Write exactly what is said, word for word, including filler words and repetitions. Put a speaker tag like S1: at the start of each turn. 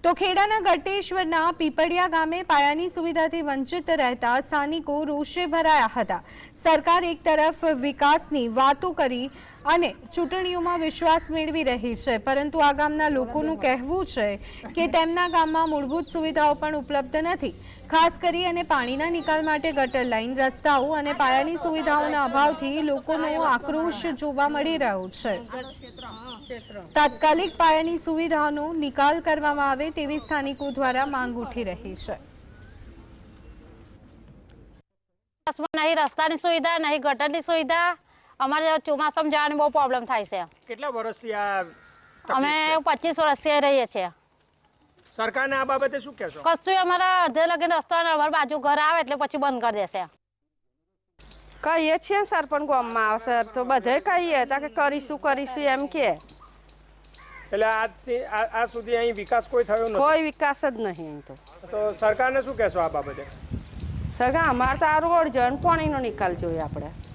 S1: તો ખેડાના ગળતેશ્વરના પીપળિયા ગામે પાયાની સુવિધાથી વંચિત રહેતા સ્થાનિકો રોષે ભરાયા હતા। સરકાર એક તરફ વિકાસની વાતો કરી અને ચૂંટણીઓમાં વિશ્વાસ મેળવી રહી છે, પરંતુ આ ગામના લોકોનું કહેવું છે કે તેમના ગામમાં મૂળભૂત સુવિધાઓ પણ ઉપલબ્ધ નથી। ખાસ કરી અને પાણીના નિકાલ માટે ગટર લાઇન, રસ્તાઓ અને પાયાની સુવિધાઓના અભાવથી લોકોનો આક્રોશ જોવા મળી રહ્યો છે। તાત્કાલિક પાયાની સુવિધાઓનો નિકાલ કરવામાં આવે તેવી સ્થાનિકો દ્વારા માંગ ઉઠી રહી છે।
S2: नहीं रस्ता सुविधा नहीं गटर की सुविधा अमरे ચોમાસા में जाने बहुत प्रॉब्लम थाय छे।
S3: કેટલા વર્ષથી આ
S2: અમે પચીસ વર્ષથી રહીએ છીએ।
S3: સરકારને આ બાબતે શું કહેશો?
S2: કશું અમારા અડધે લગીને રસ્તો અમારી બાજુ ઘર આવે એટલે પછી બંધ કરી દેશે।
S4: કહીએ છીએ સરપંચ ગામમાં આવશે તો બધે કહીએ તા કે કરીશું કરીશું એમ કે,
S3: એટલે આજથી આ સુધી અહીં વિકાસ કોઈ થયો નથી?
S4: કોઈ વિકાસ જ નહીં અહીં તો।
S3: તો સરકારને શું કહેશો આ બાબતે?
S4: સગા અમારે તો આ રોડ જો પાણીનો નિકાલ જોઈએ આપણે।